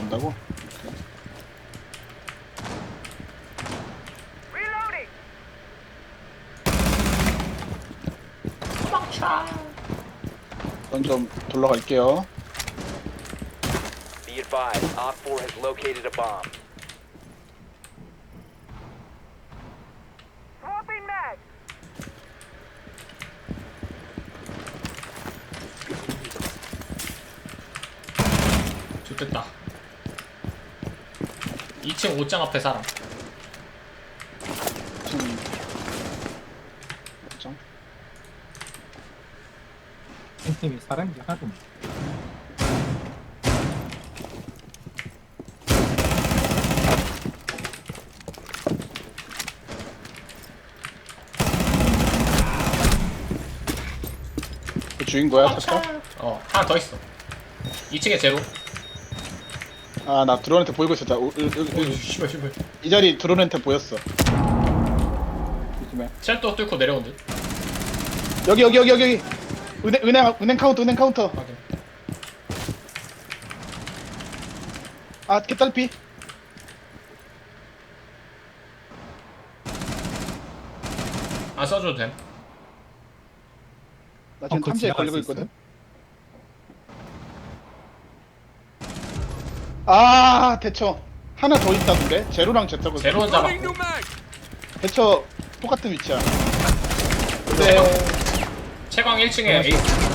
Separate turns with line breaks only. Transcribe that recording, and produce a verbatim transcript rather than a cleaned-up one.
준다고? 전 좀 돌아갈게요.
Be advised, Op four has located a bomb.
좋됐다. 이 층 옷장 앞에 사람.
지금 뭐죠?
팬팀이 사람이 하나도 없네.
그 주인 거야, 잠깐?
어, 하나 더 있어. 이 층에 제로.
아, 나 드론한테 보이고 있었다. 우, 우, 우,
오,
우,
씨발, 씨발.
이 자리 드론한테 보였어. 조심해.
쉘터 뚫고 내려온 듯.
여기, 여기, 여기, 여기. 은행, 은행, 은행 카운터, 은행 카운터.
확인.
아, 개딸피.
안 써줘도 됨.
나 지금
어, 그거
탐지에
지나갈
걸리고
수
있거든. 아, 대처. 하나 더 있다던데? 제로랑 제터고.
제로는 잡았고.
대처 똑같은 위치야.
채광,
네.
채광 일 층에 에이스.